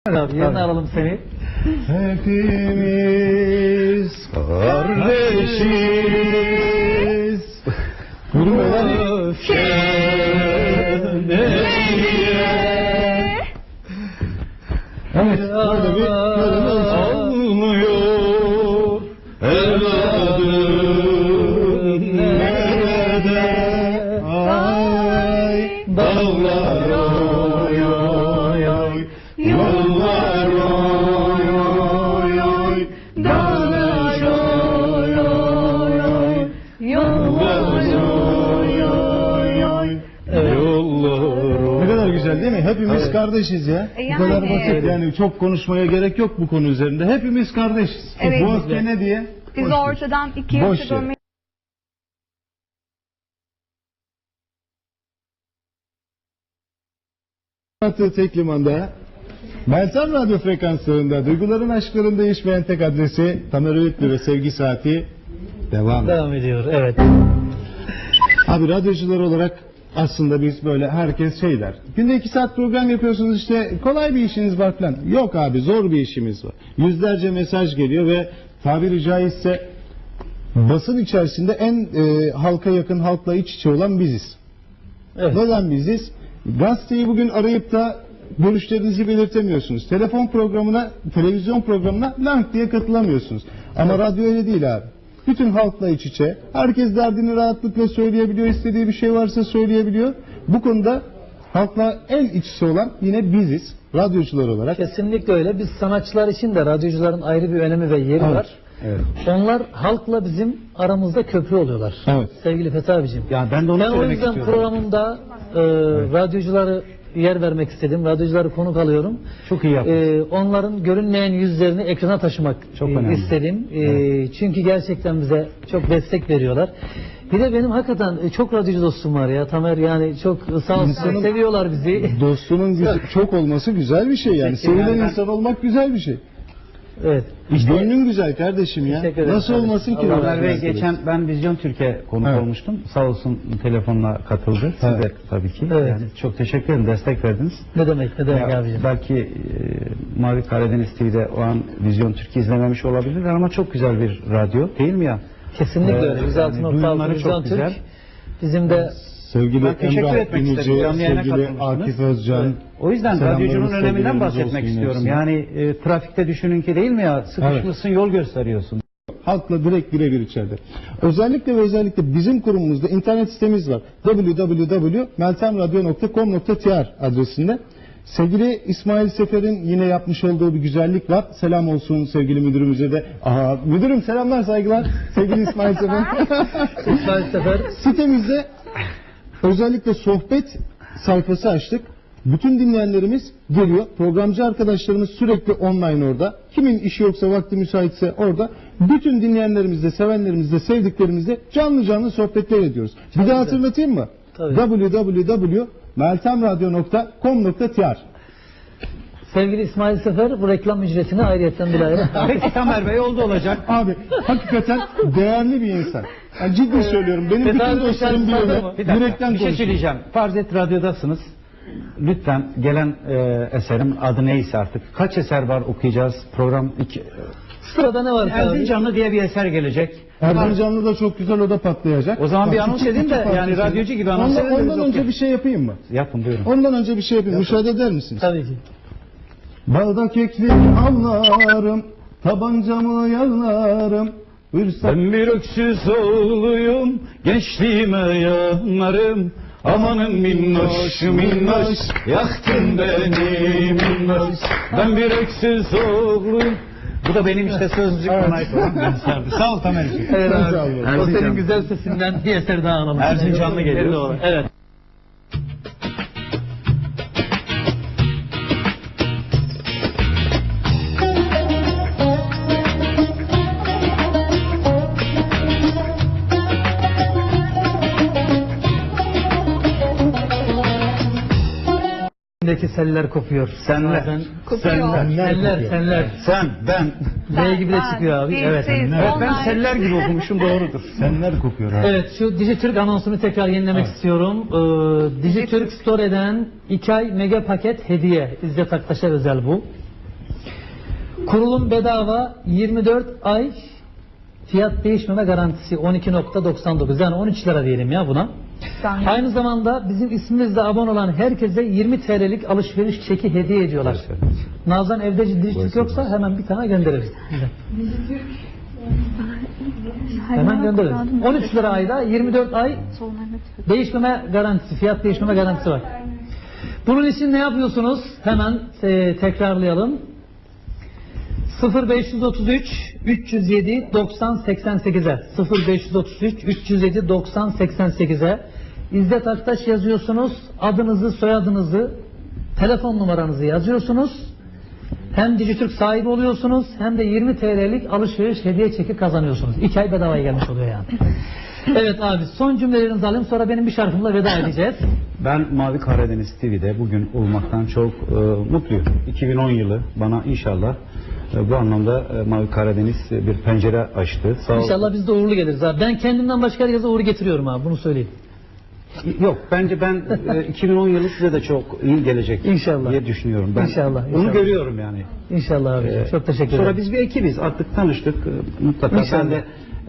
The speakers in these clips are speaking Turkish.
Abi yerine alalım seni. Hepimiz kardeşiz. Gurur Evet, burada bir bölümümüz almıyor. Evladım nerede? Ay dağlar oy oy oy, yollar oy oy oy, dağlar oy oy oy, yollar oy oy oy, yollar. Ne kadar güzel değil mi? Hepimiz kardeşiz ya. Bu kadar basit yani, çok konuşmaya gerek yok bu konu üzerinde. Hepimiz kardeşiz. Evet. Bu öfke ne diye? Biz ortadan iki yılda dönmeyi... Tek limanda Meltem Radyo frekanslarında duyguların aşkların değişmeyen tek adresi Tamer Öğütlü ve Sevgi Saati devam ediyor. Evet. Abi radyocular olarak aslında biz böyle herkes şey der. Günde 2 saat program yapıyorsunuz, işte kolay bir işiniz var falan. Yok abi, zor bir işimiz var. Yüzlerce mesaj geliyor ve tabiri caizse basın içerisinde en halka yakın, halkla iç içe olan biziz. Evet. Neden biziz? Gazeteyi bugün arayıp da görüşlerinizi belirtemiyorsunuz. Telefon programına, televizyon programına lank diye katılamıyorsunuz. Ama radyo öyle değil abi. Bütün halkla iç içe. Herkes derdini rahatlıkla söyleyebiliyor. İstediği bir şey varsa söyleyebiliyor. Bu konuda halkla en iç içe olan yine biziz. Radyocular olarak. Kesinlikle öyle. Biz sanatçılar için de radyocuların ayrı bir önemi ve yeri var. Evet. Onlar halkla bizim aramızda köprü oluyorlar. Evet. Sevgili Fethi abicim. Ya ben de onu söylemek istiyorum. O yüzden programımda radyocuları yer vermek istedim. Radyocuları konuk alıyorum. Çok iyi yaptın. Onların görünmeyen yüzlerini ekrana taşımak Çok önemli. istedim. Çünkü gerçekten bize çok destek veriyorlar. Bir de benim hakikaten çok radyocu dostum var ya Tamer, yani çok sağ olsun, seviyorlar bizi. Dostunun çok olması güzel bir şey yani. Sevilen insan olmak güzel bir şey. Evet. Gönlün güzel kardeşim ya. Teşekkür ederim Nasıl kardeşim. olmasın ki? Tamer Bey, geçen ben Vizyon Türkiye konuk Evet. olmuştum. Sağ olsun telefonla katıldı. Siz Evet. de tabii ki. Evet. Yani çok teşekkür ederim. Destek verdiniz. Ne demek Ya, abicim. belki Mavi Karadeniz TV'de o an Vizyon Türkiye izlememiş olabilirler ama çok güzel bir radyo değil mi ya? Kesinlikle öyle. Yani 106.6 duyumları Vizyon çok güzel. Türk. Bizim de Sevgili Ben teşekkür Emrah etmek isterim. İnici, Canlı yayına sevgili katılmışsınız. Akif Özcan. Evet. O yüzden Selamlarımız, radyocunun öneminden sevgilerimiz bahsetmek olsun istiyorum. hepsine. Yani trafikte düşünün ki değil mi ya? Sıkışmışsın, yol gösteriyorsun. Halkla direkt birebir içeride. Özellikle ve özellikle bizim kurumumuzda internet sitemiz var. www.meltemradyo.com.tr adresinde. Sevgili İsmail Sefer'in yine yapmış olduğu bir güzellik var. Selam olsun sevgili müdürümüze de. Aha, müdürüm selamlar, saygılar. Sevgili İsmail Sefer. İsmail Sefer. Sitemizde özellikle sohbet sayfası açtık. Bütün dinleyenlerimiz geliyor. Programcı arkadaşlarımız sürekli online orada. Kimin işi yoksa, vakti müsaitse orada. Bütün dinleyenlerimizle, sevenlerimizle, sevdiklerimizle canlı canlı sohbetler ediyoruz. Bir daha hatırlatayım mı? www.meltemradyo.com.tr Sevgili İsmail Sefer bu reklam ücretini ayrıyetten bile ayrı. Peki Tamer Bey, oldu olacak. Abi hakikaten değerli bir insan. Yani ciddi söylüyorum. Benim bütün dostlarım biliyor. Bir dakika, Yürekten bir şey konuşuyorum. söyleyeceğim. Farz et radyodasınız. Lütfen gelen eserim adı neyse artık. Kaç eser var okuyacağız? Program 2. Sırada ne var abi? Erzincanlı diye bir eser gelecek. Erzincanlı da çok güzel, o da patlayacak. O zaman bir Bak, anons iki edin de parça yani söyleyeyim. radyocu gibi anons edin de biz Ondan önce okuyalım. bir şey yapayım mı? Yapın, buyurun. Ondan önce bir şey yapayım. Müsaade eder misiniz? Tabii ki. Balda keklik avlarım, tabancamı yağlarım. Ben bir öksüz oğluyum, gençliğime yanarım. Amanın minnoş minnoş, yaktın beni minnoş. Ben bir öksüz oğluyum. Bu da benim işte sözlük bana ait olan bir eserdi. Sağ ol Tamer'ciğim. Evet abi. Sağ olun. O senin Erzincan. güzel sesinden bir eser daha alalım. Erzincanlı geliyor. Evet. İçindeki seller kopuyor. Senler. Bazen Kopuyor. Seller. Sen, ben. B gibi de çıkıyor abi. Evet. Siz, Evet, ben onlar. seller gibi okumuşum, doğrudur. Senler kokuyor abi. Evet, şu Dijitürk anonsunu tekrar yenilemek istiyorum. Dijitürk Store'den 2 ay mega paket hediye. İzzet Aktaş'a özel bu. Kurulum bedava, 24 ay fiyat değişmeme garantisi 12.99, yani 13 lira diyelim ya buna. Aynı zamanda bizim ismimizle abone olan herkese 20 TL'lik alışveriş çeki hediye ediyorlar. Nazan evde ciddilik yoksa hemen bir tane göndeririz. Hemen göndeririz. 13 lira ayda 24 ay değişmeme garantisi, fiyat değişmeme garantisi var. Bunun için ne yapıyorsunuz? Hemen tekrarlayalım. 0533 307 90 88'e 0533 307 90 88'e İzzet Aktaş yazıyorsunuz. Adınızı, soyadınızı, telefon numaranızı yazıyorsunuz. Hem Dijitürk sahibi oluyorsunuz hem de 20 TL'lik alışveriş hediye çeki kazanıyorsunuz. 2 ay bedavaya gelmiş oluyor yani. Evet abi, son cümlelerinizi alayım, sonra benim bir şarkımla veda edeceğiz. Ben Mavi Karadeniz TV'de bugün olmaktan çok mutluyum. 2010 yılı bana inşallah bu anlamda Mavi Karadeniz bir pencere açtı. Sağ İnşallah biz de uğurlu geliriz abi. Ben kendimden başka herkese uğur getiriyorum abi, bunu söyleyeyim. Yok, bence ben 2010 yılı size de çok iyi gelecek İnşallah diye düşünüyorum. Ben İnşallah. Bunu görüyorum yani. İnşallah abi. Çok teşekkür ederim. Sonra biz bir ekibiz. Artık tanıştık. Mutlaka İnşallah. ben de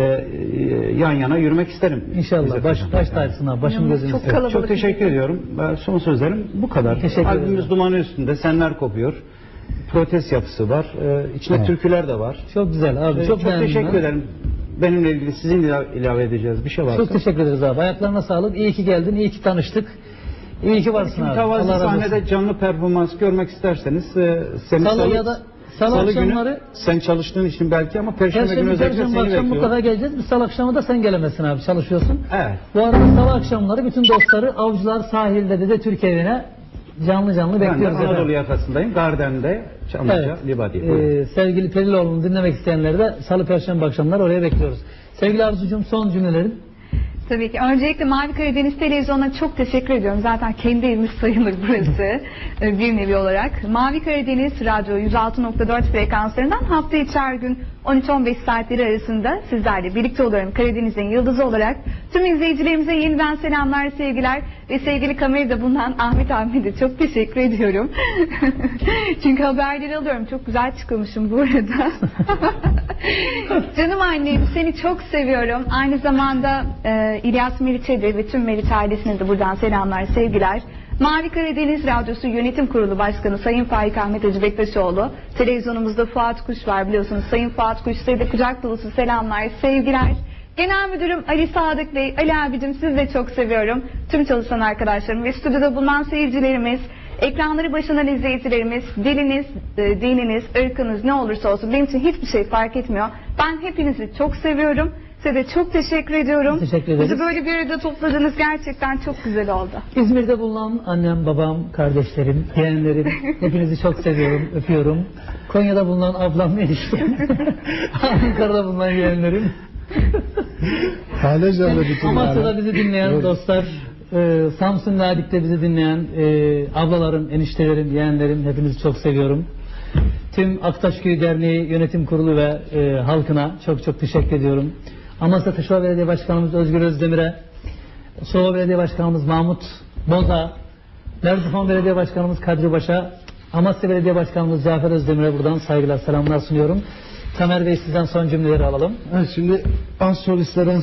yan yana yürümek isterim. İnşallah. Baş tacısın abi. Başım gözüm çok isterim. kalabalık. Çok teşekkür ediyorum. Son sözlerim bu kadar. Teşekkür ederim. Albümümüz dumanı üstünde. Senler kopuyor. Protest yapısı var. İçinde türküler de var. Çok güzel abi. Çok beğendim teşekkür ben. ederim. Benimle ilgili sizin ilave edeceğiz bir şey varsa. Çok teşekkür ederiz abi. Ayaklarına sağlık. İyi ki geldin. İyi ki tanıştık. İyi ki varsın abi. Mütevazi Allah razı olsun. sahnede canlı performans görmek isterseniz seni Salı ya da salı akşamları günü sen çalıştığın için belki ama Perşembe günü özellikle Perşembe seni akşam bekliyorum. mutlaka geleceğiz. Bir salı akşamı da sen gelemezsin abi. Çalışıyorsun. Evet. Bu arada salı akşamları bütün dostları Avcılar sahilde de Türk evine canlı Ben de bekliyoruz. Anadolu efendim. yakasındayım. Garden'de Çamlıca, Evet. Libadi. Sevgili Periloğlu'nu dinlemek isteyenleri de salı perşembe akşamları oraya bekliyoruz. Sevgili Arzucuğum, son cümlelerin. Tabii ki. Öncelikle Mavi Karadeniz Televizyonu'na çok teşekkür ediyorum. Zaten kendi evimiz sayılır burası bir nevi olarak. Mavi Karadeniz Radyo 106.4 frekanslarından hafta içi her gün 13-15 saatleri arasında sizlerle birlikte oluyorum. Karadeniz'in yıldızı olarak tüm izleyicilerimize yeniden selamlar, sevgiler ve sevgili kamerada bulunan Ahmet abime de çok teşekkür ediyorum. Çünkü haberleri alıyorum. Çok güzel çıkılmışım bu arada. Canım annem, seni çok seviyorum. Aynı zamanda İlyas Meriç'e de ve tüm Meriç ailesine de buradan selamlar, sevgiler. Mavi Karadeniz Radyosu Yönetim Kurulu Başkanı Sayın Faik Ahmet Hacı Bektaşoğlu, televizyonumuzda Fuat Kuş var biliyorsunuz. Sayın Fuat Kuş, size de kucak dolusu selamlar, sevgiler. Genel Müdürüm Ali Sadık Bey, Ali abicim, sizi de çok seviyorum. Tüm çalışan arkadaşlarım ve stüdyoda bulunan seyircilerimiz, ekranları başından izleyicilerimiz, diliniz, dininiz, ırkınız ne olursa olsun benim için hiçbir şey fark etmiyor. Ben hepinizi çok seviyorum. Size de çok teşekkür ediyorum. Teşekkür ederiz. Bizi böyle bir arada topladınız, gerçekten çok güzel oldu. İzmir'de bulunan annem, babam, kardeşlerim, yeğenlerim, hepinizi çok seviyorum, öpüyorum. Konya'da bulunan ablam, eniştem, Ankara'da bulunan yeğenlerim, Amasya'da bizi dinleyen dostlar, Samsun Ladik'te bizi dinleyen ablalarım, eniştelerim, yeğenlerim, hepinizi çok seviyorum. Tüm Aktaşköy Derneği Yönetim Kurulu ve halkına çok çok teşekkür ediyorum. Amasya Taşova Belediye Başkanımız Özgür Özdemir'e, Sova Belediye Başkanımız Mahmut Boza, Merzifon Belediye Başkanımız Kadri Baş'a, Amasya Belediye Başkanımız Cafer Özdemir'e buradan saygılar, selamlar sunuyorum. Tamer Bey, sizden son cümleleri alalım. Evet, şimdi az solistlerden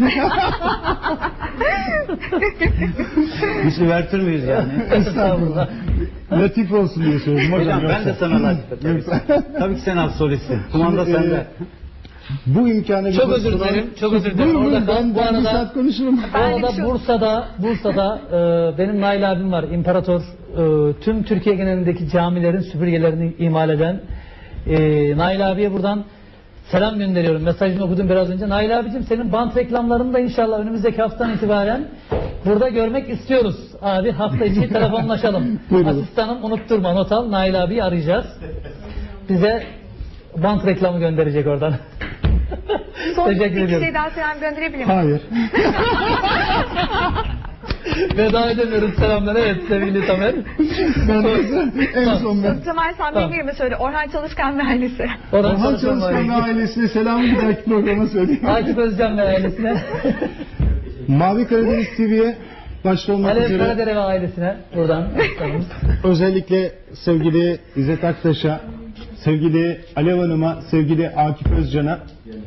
Biz üvertür müyüz yani? Estağfurullah. latif olsun diye söyledim. Hocam ben de sana latif ederim. Tabii ki sen az solistsin. Kumanda Şimdi, sende. Bu imkanı Çok özür dilerim, çok özür dilerim. Buyurun, Orada ben bu bir arada saat konuşurum. Bu arada Bursa'da benim Nail abim var, İmparator. Tüm Türkiye genelindeki camilerin süpürgelerini imal eden Nail abiye buradan selam gönderiyorum. Mesajını okudum biraz önce. Nail abicim, senin bant reklamlarını da inşallah önümüzdeki haftadan itibaren burada görmek istiyoruz. Abi hafta içi telefonlaşalım. Asistanım, unutturma, not al. Nail abiyi arayacağız. Bize bant reklamı gönderecek oradan. Son Teşekkür bir ediyorum. şey daha selam gönderebilir miyim? Hayır. Veda edemiyoruz, selamlar. Evet sevgili Tamer. En son ben. Tamer, sen benim yerime söyle. Orhan Çalışkan ve ailesi. Orhan Çalışkan ve ailesine selamı bir dahaki programa söyleyeyim. Akif Özcan ve ailesine. Mavi Karadeniz TV'ye başta olmak Alev üzere Karadere ve ailesine buradan. özellikle sevgili İzzet Aktaş'a, sevgili Alev Hanım'a, sevgili Akif Özcan'a,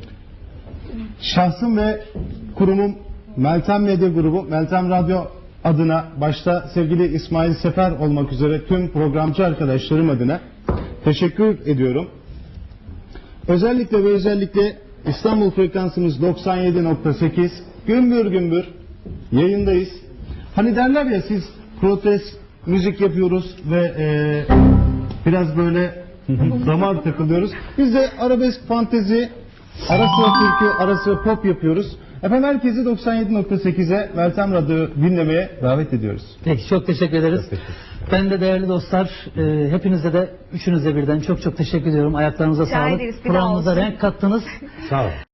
şahsım ve kurumum Meltem Medya Grubu, Meltem Radyo adına başta sevgili İsmail Sefer olmak üzere tüm programcı arkadaşlarım adına teşekkür ediyorum. Özellikle ve özellikle İstanbul frekansımız 97.8, gümbür gümbür yayındayız. Hani derler ya, siz protest müzik yapıyoruz ve biraz böyle damar takılıyoruz. Biz de arabesk, fantezi, ara sıra türkü, ara sıra pop yapıyoruz. Efendim herkesi 97.8'e Meltem Radyo dinlemeye davet ediyoruz. Peki, çok teşekkür ederiz. Ben de değerli dostlar, hepinize de üçünüze birden çok teşekkür ediyorum. Ayaklarınıza Rica sağlık. ederiz, bir daha Programımıza olsun. renk kattınız. Sağ ol.